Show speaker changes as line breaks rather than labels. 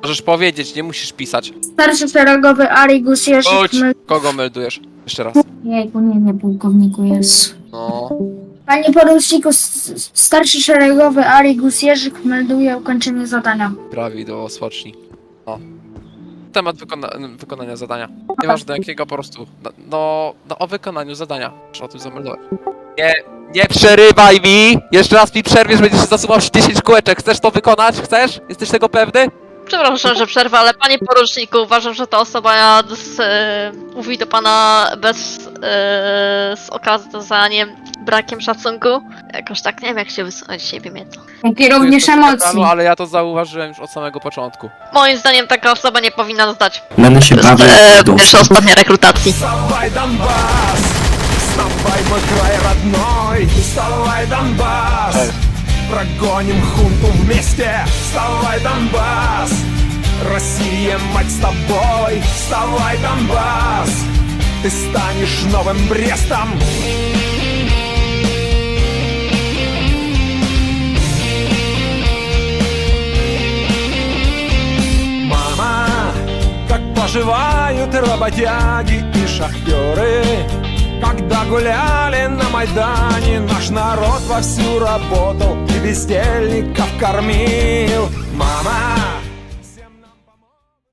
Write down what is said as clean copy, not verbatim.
Możesz powiedzieć, nie musisz pisać.
Starszy szeregowy Arigus Jerzyk
Chodź! Kogo meldujesz? Jeszcze raz.
Jejku, nie, pułkowniku, jest.
No.
Panie poruczniku, starszy szeregowy Arigus Jerzyk melduje ukończenie zadania.
Prawidłowo, spocznij. No. Temat wykonania zadania. Nieważne jakiego, po prostu. No o wykonaniu zadania. Trzeba tu zameldować. Nie przerywaj mi! Jeszcze raz mi przerwiesz, będziesz zasuwał 10 kółeczek. Chcesz to wykonać? Chcesz? Jesteś tego pewny?
Przepraszam, że przerwę, ale panie poruczniku, uważam, że ta osoba mówi do pana z okazaniem brakiem szacunku. Jakoś tak nie wiem, jak się wysunąć z siebie mnie to.
Jak i również
Tu jest
emocji.
to ale ja to zauważyłem już od samego początku.
Moim zdaniem taka osoba nie powinna zdać
Będę się bawił w dół.
pierwsza ostatnia rekrutacji.
Вставай, Донбасс! Вставай, мой край родной! Вставай, Донбасс! Прогоним хунту вместе! Вставай, Донбасс! Россия, мать с тобой! Вставай, Донбасс! Ты станешь новым Брестом! Мама, как поживают работяги и шахтеры? Когда гуляли на Майдане, наш народ вовсю работал и бездельников кормил. Мама,